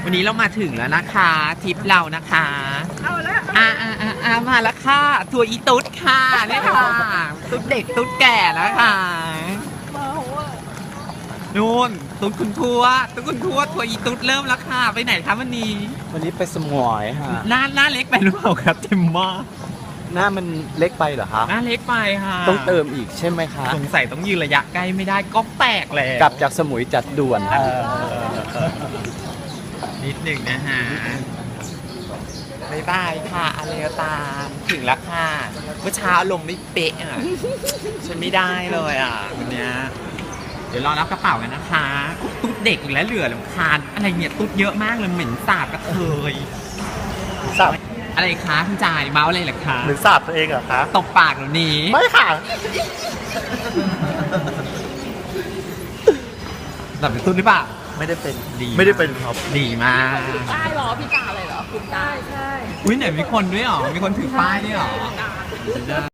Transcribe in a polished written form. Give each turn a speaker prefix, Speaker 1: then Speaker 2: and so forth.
Speaker 1: วันนี้เรามาถึงแล้วนะคะทริปเรานะคะมาแล้วค่ะทัวร์อีตุ๊ดค่ะเนี่ยค่ะตุ๊ดเด็กตุ๊ดแก่แล้วค่ะนู่นตุ๊ดคุณทัวร์ทัวร์อีตุ๊ดเริ่มแล้วค่ะไปไหนคะวันนี้
Speaker 2: ไปสมอยฮะ
Speaker 1: หน้าเล็กไปหรือเปล่าครับเต็มมาก
Speaker 2: หน้ามันเล็กไปเหรอคะ
Speaker 1: หน้าเล็กไปค่ะ
Speaker 2: ต้องเติมอีกใช่ไหมคะ
Speaker 1: สงสัยต้องยืนระยะใกล้ไม่ได้ก็แตกแล้ว
Speaker 2: กลับจากสมุยจัดด่วน
Speaker 1: นิดหนึ่งนะฮะบายบายค่ะอะไรก็ตามถึงแล้วค่ะเมื่อเช้าลมไม่เป๊ะอ่ะฉันไม่ได้เลยอ่ะวันเนี้ยเดี๋ยวรอรับกระเป๋ากันนะคะตุ๊ดเด็กอีกแล้วเหลือลำคาญอะไรเนี่ยตุ๊ดเยอะมากเลยเหม็นสาบกระเทย
Speaker 2: สาบ
Speaker 1: อะไรคะคุณจ่ายเมาอะไรเหรอคะ
Speaker 2: หรือสาบตัวเองเหรอคะ
Speaker 1: ตบปากหนูนี้
Speaker 2: ไม่ค่ะ
Speaker 1: แบบเป็นตุ๊ดหรือเปล่า
Speaker 2: ไม่ได้เป็น
Speaker 1: ดี
Speaker 2: ไม่ได้เป็นครับ
Speaker 1: ดีมาก
Speaker 3: ป้ายหรอพี่กาเลยเหรอคุณกาใช่
Speaker 1: อุ้ยไหนมีคนด้วยหรอมีคนถือป้ายด้วยหรอ